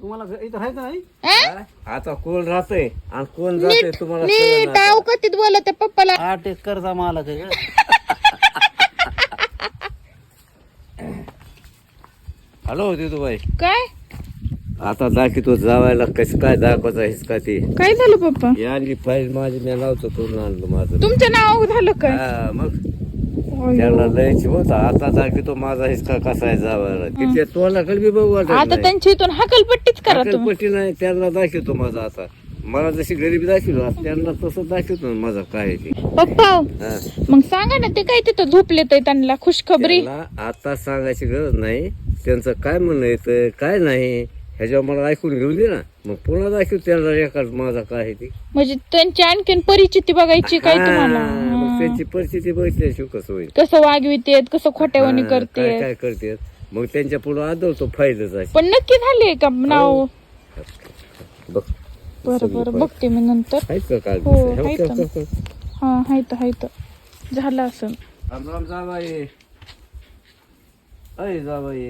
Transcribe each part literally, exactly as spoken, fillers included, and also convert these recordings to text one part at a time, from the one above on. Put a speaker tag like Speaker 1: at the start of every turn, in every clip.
Speaker 1: तुम्हाला इथं राहायचं नाही.
Speaker 2: हा?
Speaker 3: आता कोण राहतंय आणि कोण जाते तुम्हाला
Speaker 2: नीट
Speaker 3: कळलं
Speaker 2: डाव कतीत बोलत आहे पप्पाला.
Speaker 1: आठ एकरचा मालक आहे.
Speaker 3: हॅलो दिदूबाई,
Speaker 2: काय
Speaker 3: आता दाखवतो जावायला कसं काय दाखवायचं आहेस का ते.
Speaker 2: काय झालं पप्पा?
Speaker 3: ही आणली फाईल माझी मी लावतो करून आणलं माझं.
Speaker 2: तुमचं नाव झालं काय?
Speaker 3: हा, मग त्याला लयची होता. आता दाखवतो माझा हिसका कसा आहे जावायला. तिथे तोंडाकडे बी बघू वाटत
Speaker 2: आता
Speaker 3: नाही.
Speaker 2: त्यांची इथून हकलपट्टीच करा तुम्ही.
Speaker 3: पट्टी नाही त्यांना दाखवतो माझा. आता मला जशी गरीबी दाखवली त्यांना तसं दाखवतो ना माझा काय आहे ते.
Speaker 2: पप्पा
Speaker 3: हा.
Speaker 2: मग सांगा ना ते काय तिथं झोपलेत आहे त्यांना खुशखबरी.
Speaker 3: त्यांना आता सांगायची गरज नाही. त्यांचं काय म्हणणं येतं काय नाही ह्याच्यावर मला ऐकून घेऊन दे ना. मग पुन्हा दाखव त्यांना रेकॉर्ड माझा काय आहे ते.
Speaker 2: म्हणजे त्यांची आणखीन परिचिती बघायची काय तुम्हाला.
Speaker 3: हा, मग
Speaker 2: हा.
Speaker 3: त्यांची परिस्थिती बघितल्याशिवाय कसं होईल.
Speaker 2: कसं वागवितेत कसं खोट्यावानी
Speaker 3: हा,
Speaker 2: करते.
Speaker 3: काय काय करते मग त्यांच्या पुढे आदळतो फायदाच आहे.
Speaker 2: पण नक्की झाले का नाव?
Speaker 3: बघ
Speaker 2: बरं बरं बघते मी नंतर.
Speaker 3: आहेत का काय
Speaker 2: हो, आहेत ना. हा हायत हायत झालं असं.
Speaker 3: राम राम जाबाई. अय जाबाई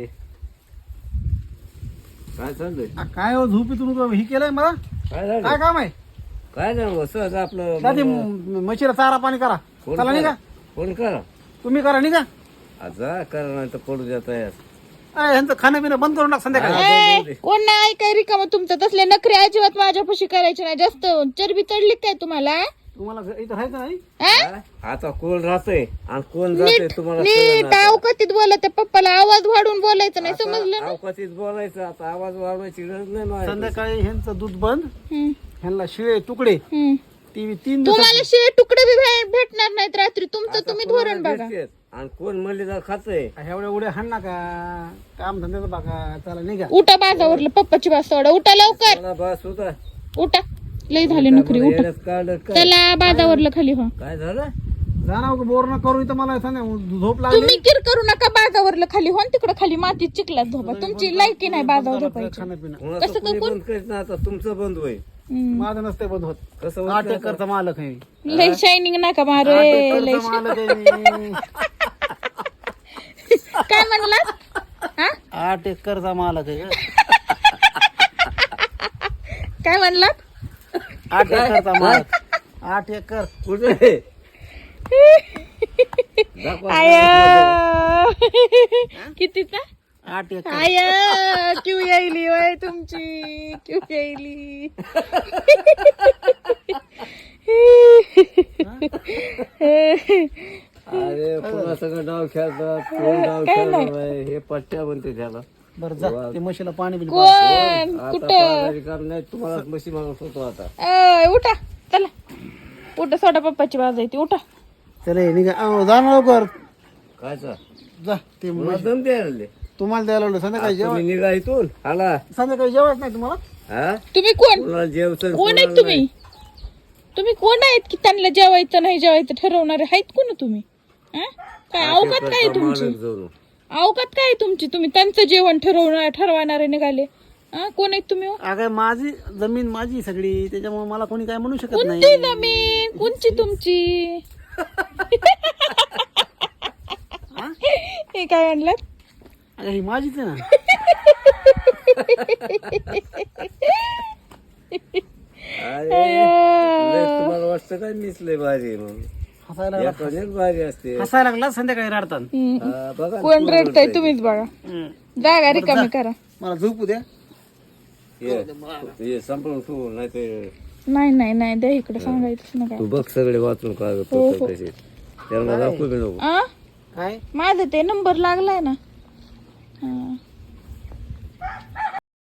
Speaker 3: काय चाललंय?
Speaker 1: आ, काय हो झोपेतून ही केलंय मला.
Speaker 3: काय झालं?
Speaker 1: काय काम आहे?
Speaker 3: काय नाही सहज आपलं
Speaker 1: दादी
Speaker 3: मला-
Speaker 1: म्हशीला चारा पाणी करा.
Speaker 3: फोन
Speaker 1: चला
Speaker 3: करा.
Speaker 1: निघा.
Speaker 3: फोन करा.
Speaker 1: तुम्ही करा निघा.
Speaker 3: जा करा नाही तर पडू द्या तयार.
Speaker 1: अय, ह्यांचं खाणं पिणं बंद करून टाक संध्याकाळी.
Speaker 3: हा.
Speaker 2: ए, कोण नाही ऐकाय रिकाम तुमचं तसले नखरे अजिबात माझ्यापाशी करायचे नाही. जास्त चरबी चढली काय तुम्हाला?
Speaker 1: तुम्हाला इथं राहायचं नाही.
Speaker 2: हा?
Speaker 3: हा? आता कोण राहतंय आणि कोण जाते तुम्हाला
Speaker 2: नीट
Speaker 3: कळलं ना.
Speaker 2: अवकतीत बोलत आहे पप्पाला. आवाज वाढून बोलायचं नाही समजलं
Speaker 3: आता
Speaker 2: ना.
Speaker 3: अवकाशीत बोलायचं. आता आवाज वाढवायची गरज नाही माझ्या.
Speaker 1: संध्याकाळी ह्यांचं दूध बंद.
Speaker 2: हम्म,
Speaker 1: ह्यांना शिळे तुकडे
Speaker 2: हम्म.
Speaker 1: ती तीन
Speaker 2: तुम्हाला
Speaker 1: दिवस
Speaker 2: शिळे तुकडे बी भे- भेटणार नाहीत रात्री. तुमचं
Speaker 3: आता
Speaker 2: तुम्ही
Speaker 3: कोणाला
Speaker 2: धोरण बघा.
Speaker 3: भेटतेच. आणि कोण मलिदा खातंय.
Speaker 1: एवढ्या उड्या हाण नका. काम धंद्याचं बघा. चला निघा.
Speaker 2: उठा बाजावरलं पप्पाची बाज सोडा. उठा लवकर
Speaker 3: मला बस होता.
Speaker 2: उठा. लय झाली नोकरी. उठा
Speaker 3: येण्यात काढलं काय
Speaker 2: चला बाजावरलं खाली हो.
Speaker 3: काय झालं?
Speaker 1: जाणार बोर न करू इथं मला संध्या झोप लागली.
Speaker 2: तुम्ही किर करू नका बाजावरलं खाली हो. तिकडे खाली मातीत चिखलात झोपा. तुमची लायकी नाही बाजावर झोपायची.
Speaker 1: खाणं पिणं
Speaker 3: कोणाचं
Speaker 2: कसं
Speaker 3: कोणी
Speaker 2: कोण-
Speaker 3: बंद करीत ना. आता तुमचं बंद होईल.
Speaker 2: हम्म.
Speaker 1: माझं नसते बंद होत.
Speaker 3: कसं होत
Speaker 1: आठ
Speaker 3: नाही
Speaker 1: एकरचा मालक आहे.
Speaker 2: लय शायनिंग नका मारे.
Speaker 1: आठ
Speaker 2: लय
Speaker 1: एकरचा मालक आहे मी.
Speaker 2: काय म्हणलात? हा
Speaker 1: आठ एकरचा मालक आहे.
Speaker 2: काय म्हणलात?
Speaker 1: आठ एकरचा मालक. आठ एकर.
Speaker 3: कुठे दाखवा.
Speaker 2: आय कितीचा?
Speaker 1: आठ एकर.
Speaker 2: आय क्यू यायली वय तुमची. क्यू यायली.
Speaker 3: अरे पुन्हा सगळं डाव खेळतात. कोण डाव
Speaker 2: काय
Speaker 3: खेळणार
Speaker 2: नाही.
Speaker 3: नाही. हे पट्ट्या म्हणते त्याला.
Speaker 1: बरं जा ते म्हशीला पाणी बिणी
Speaker 2: कोण
Speaker 3: आता
Speaker 2: कुठं?
Speaker 3: पाहणारी काम नाही. तुम्हाला मशी मागत होतो आता.
Speaker 2: अय, उठा चला. उठा सोडा पप्पाची बाज आहे ती. उठा.
Speaker 1: चला निघा. अहो, जा ना लवकर.
Speaker 3: कायचा
Speaker 1: जा ते
Speaker 3: मला
Speaker 1: म्हशी-
Speaker 3: दम द्यायला
Speaker 1: तुम्हाला द्यायला लावलं. संध्याकाळी जेवण
Speaker 3: तुम्ही निघा इथून. आला
Speaker 1: संध्याकाळी जेवायच नाही तुम्हाला.
Speaker 3: हा
Speaker 2: तुम्ही कोण
Speaker 3: कोणाला जेवचं
Speaker 2: कोण आहेत तुम्ही? तुम्ही कोण आहेत की त्यांना जेवायचं नाही जेवायचं ठरवणारे आहेत कोण तुम्ही? हा? काय अवकात काय आहे तुमची?
Speaker 3: जाऊन
Speaker 2: अवकात काय आहे तुमची? तुम्ही त्यांचं जेवण ठरवणार ठरवणारे निघाले. हा कोण आहेत तुम्ही?
Speaker 1: अगं माझी जमीन माझी सगळी. त्याच्यामुळे मला कोणी काय म्हणू शकत नाही.
Speaker 2: कोणती जमीन कोणची तुमची? हे काय म्हणलं?
Speaker 1: अगं ही माझीच आहे ना.
Speaker 3: अरे लय तुम्हाला वाटतं काय मिसले भारी आहे म्हणून.
Speaker 1: हसायला
Speaker 3: या कणेक भारी असते.
Speaker 1: हसायला लागला संध्याकाळी रडतात.
Speaker 3: हा, बघा
Speaker 2: कोण रडताय तुम्हीच बघा. जागा रिकामी करा.
Speaker 1: मला झोपू द्या.
Speaker 3: ये ये संपलं तू नाही ते.
Speaker 2: नाही नाही नाही द्या इकडे सांगायचं नका.
Speaker 3: तू बघ सगळे वाचून काय
Speaker 2: हो, हो.
Speaker 3: तसे त्यांना दाखवू बी नको.
Speaker 2: आ
Speaker 1: काय
Speaker 2: माझं ते नंबर लागलाय ना. हा.